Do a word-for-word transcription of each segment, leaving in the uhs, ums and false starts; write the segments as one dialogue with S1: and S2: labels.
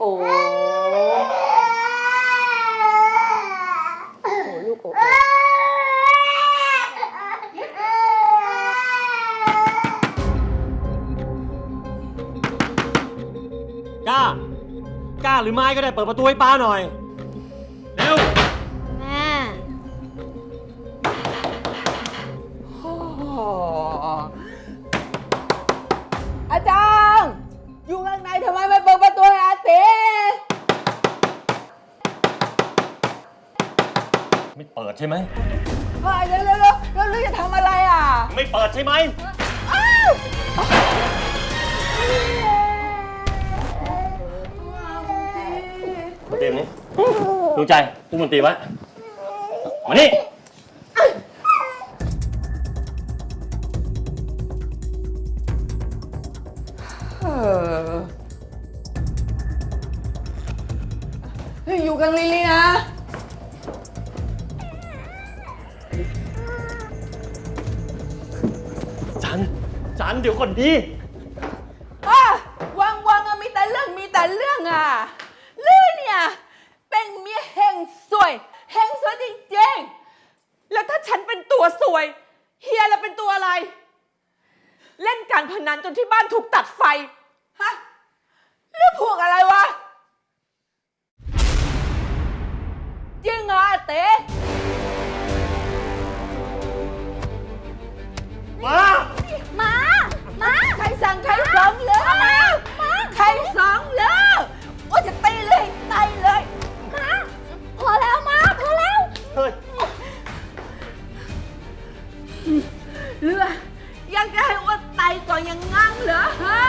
S1: โอ้โอ้ลูกโอ้
S2: กล้ากล้าหรือไม่ก็ได้เปิดประตูให้ป้าหน่อยเร็ว
S3: แม่
S1: อาจารย์อยู่ข้างในทำไมไม่เปิดประตูให้อาเต้
S2: ไม่เปิดใช่ไหม
S1: เฮ้ยเร็วเร็วเร็วแล้วลูกจะทำอะไรอ่ะ
S2: ไม่เปิดใช่ไหมมาเต็มนี้ดวงใจตุ้มดนตรีไว้มานี่
S1: เฮ้ยอยู่กันลิลี่นะ
S2: จันจันเดี๋ยวก่อนดี
S1: อ่ะวังวังอะมีแต่เรื่องมีแต่เรื่องอ่ะลื่นเนี่ยเป็นเมียแห่งสวยแห่งสวยจริงๆแล้วถ้าฉันเป็นตัวสวยเฮียเราเป็นตัวอะไรเล่นการพนันจนที่บ้านถูกตัดไฟฮะเรื่องพวกอะไรวะจริงเหรออาเต้
S2: มา
S3: มา มา
S1: ใครสั่งใครสองเลยใครสองเลยโอ้จะตีเลยตีเลย
S3: มา พอแล้วมา พอแล้ว
S2: เฮ้ย
S1: เรือยังจะให้อ้วนไตก่อนยังงั้งเหรอฮะ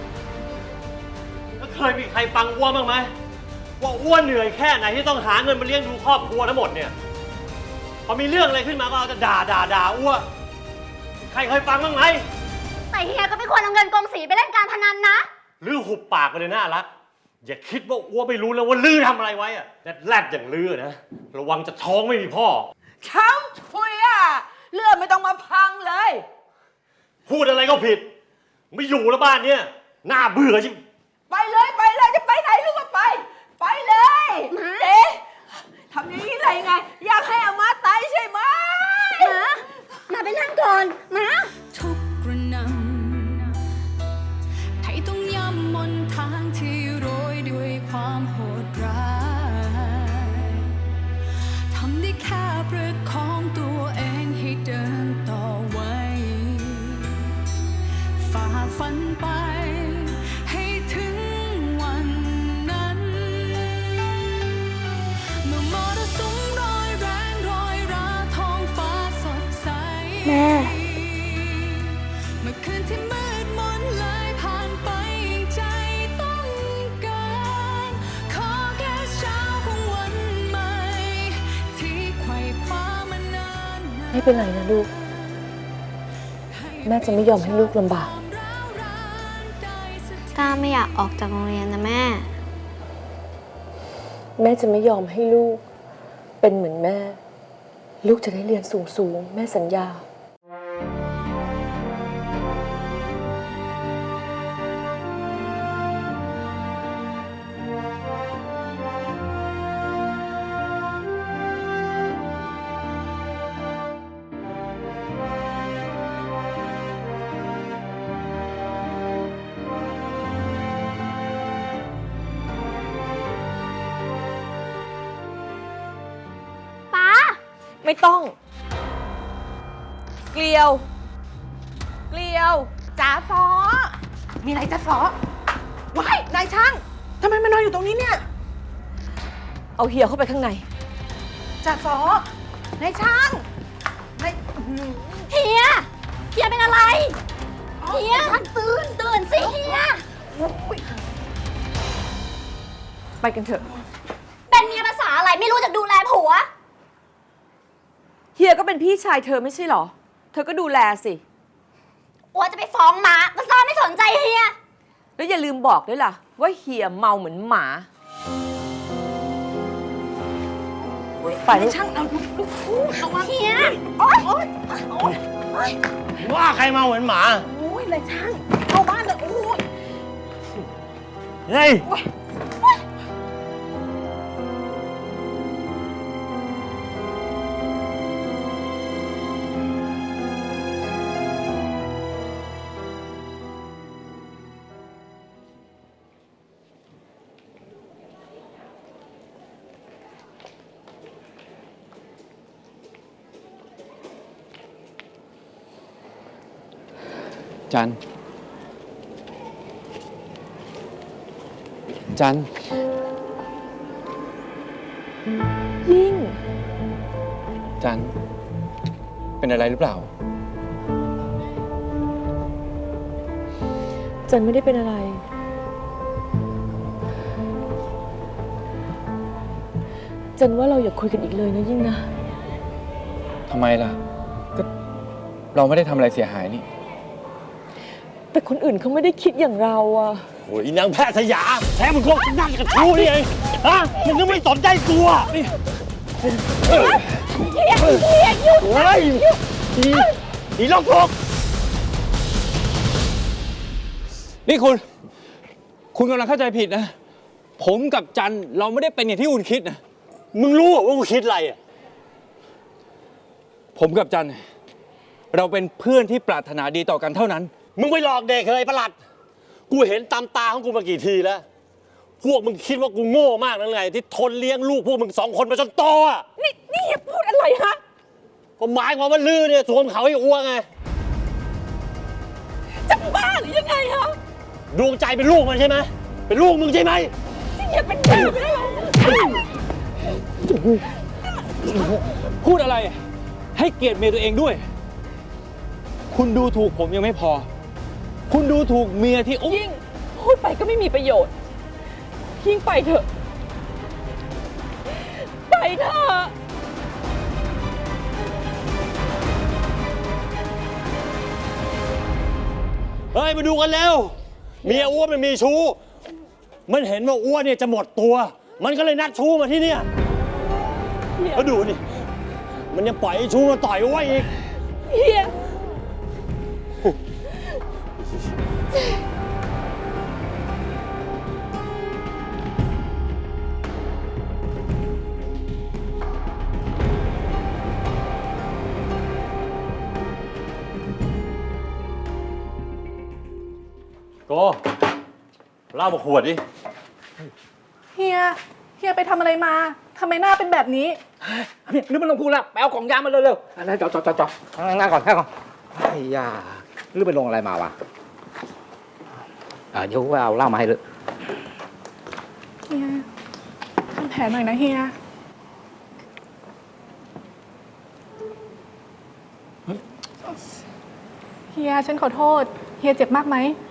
S2: แล้วเคยมีใครฟังอ้วนบ้างไหมว่าอ้วนเหนื่อยแค่ไหนที่ต้องหาเงินมาเลี้ยงดูครอบครัวทั้งหมดเนี่ยพอมีเรื่องอะไรขึ้นมาก็เอาจะด่าด่าด่าอ้วนใครเคยฟังบ้างไหม
S3: แต่เฮียก็ไม่ควรเอาเงินกองสีไปเล่นการพนันนะ
S2: ลือหุบปากไปเลยน่ารักอย่าคิดว่าอ้วนไม่รู้แล้วว่าลือทำอะไรไว้อะแรดแรดอย่างลือนะระวังจะท้องไม่มีพ่อ
S1: ช้ำชุยอ่ะเรือไม่ต้องมาพังเลย
S2: พูดอะไรก็ผิดไม่อยู่แล้วบ้านเนี้ยน่าเบื่อจริง
S1: ไปเลยไปเลยจะไปไหนลูกก็ไปไปเลยเอ๊ะทำอย่างนี้ได้ไงอยากให้อามาตายใช่ไหม
S3: มามาไปนั่งก่อนมา
S4: ทุกกระนำให้ต้องย่ำมนทางที่โรยด้วยความโหดร้ายทำได้แค่ประคองตัวเองให้เดินต่อไว้ฝ่าฟันไปให้ถึงวันนั้นเมื่อมรสุมรอยแรงรอยราท้องฟ้าสดใส
S3: แม่
S4: เมื่อคืนที่มืดมนเลยผ่านไปใจต้องการขอแค่เช้าของวันใหม่ที่ไขว่คว้ามานาน
S5: ไม่เป็นไรนะลูกแม่จะไม่ยอมให้ลูกลำบาก
S3: ก้าไม่อยากออกจากโรงเรียนนะแม่
S5: แม่จะไม่ยอมให้ลูกเป็นเหมือนแม่ลูกจะได้เรียนสูงๆแม่สัญญา
S1: ไม่ต้องเกลียวเกลียวจ๋าฟอมีอะไรจ๋าฟอว้ายนายช่างทำไมมานอนอยู่ตรงนี้เนี่ยเอาเฮียเข้าไปข้างในจ๋าฟอนายช่างนาย
S3: เฮียเฮียเป็นอะไรเฮียตื่นตื่นสิเฮีย
S1: ไปกันเถอะ
S3: เป็นเมียภาษาอะไรไม่รู้จักดูแลผัว
S1: เฮียก็เป็นพี่ชายเธอไม่ใช่หรอเธอก็ดูแลสิ
S3: อัวจะไปฟ้องม้าก็ซ้อไม่สนใจเฮีย
S1: แล้วอย่าลืมบอกด้วยล่ะว่าเฮียเมาเหมือนหมาไปช่างเอาลูกฟูเอามา
S3: เฮีย
S1: โอ๊ยโอ๊ยโอ๊ย
S2: ว่าใครเมาเหมือนหมา
S1: โอ้ยเลยช่างเข้าบ้านเลยโอ้ย
S2: เฮ้ย
S6: จัน จัน
S5: ยิ่ง
S6: จัน เป็นอะไรหรือเปล่า
S5: จันไม่ได้เป็นอะไร จันว่าเราอย่าคุยกันอีกเลยนะยิ่งนะ
S6: ทำไมล่ะ ก็เราไม่ได้ทำอะไรเสียหายนี่
S5: แต่คนอื่นเขาไม่ได้คิดอย่างเราอะ
S2: โอ้ยนางแพทย์สยามแท้มึงก็นั่งกับชูนี่เองฮะมึงก็ไม่สนใจกูอ่ะนี่เฮ้ยเฮ้ยอีอีล็อกทก
S6: นี่คุณ คุณกำลังเข้าใจผิดนะ ผมกับจันเราไม่ได้เป็นอย่างที่คุณคิดนะ
S2: มึงรู้เหรอว่ากูคิดอะไรอ่ะ
S6: ผมกับจัน เราเป็นเพื่อนที่ปรารถนาดีต่อกันเท่านั้น
S2: มึงไปหลอกเด็กเลยประหลัด กูเห็นตามตาของกูมากี่ทีแล้ว พวกมึงคิดว่ากูโง่มากนั่นไงที่ทนเลี้ยงลูกพวกมึงสองคนมาจนโตอ่ะ
S1: นี่นี่อย่าพูดอะไรฮะ
S2: ก็หมายความว่าลือเนี่ยสวมเขาให้อ้วงไง
S1: จะบ้าหรือยังไงฮะ
S2: ดวงใจเป็นลูกมันใช่ไหมเป็นลูกมึงใช่ไหม
S1: นี่อย่าเป็นบ้าไปแล้ว
S6: พูดอะไร ให้เกียรติเมียตัวเองด้วย คุณดูถูกผมยังไม่พอ คุณดูถูกเมียที่อุ้ม
S5: ยิ่งพูดไปก็ไม่มีประโยชน์ ยิ่งไปเถอะ ไปเถอะ
S2: เฮ้ยมาดูกันเร็วเมียอ้วนมันมีชู้ มันเห็นว่าอ้วนเนี่ยจะหมดตัว มันก็เลยนัดชู้มาที่เนี่ยแล้วดูนี่มันยังปล่อยให้ชู้มาต่อยอ้วนอีก
S5: เฮีย
S2: โกเหล้ามาขวดดิ
S7: เฮีย เฮียไปทำอะไรมา ทำไมหน้าเป็นแบบนี้
S8: นี่นึกมันลงพูดแล้วไปเอาของยามาเร็วๆอะไรจอดจอดจอดจอดนั่งก่อนนั่งก่อนไอ้ยานึกไปลงอะไรมาวะอ่าเดี๋ยวเอาเหล้ามาให้เลย
S7: เฮียทำแผลหน่อยนะเฮีย เฮียฉันขอโทษ เฮียเจ็บมากไหม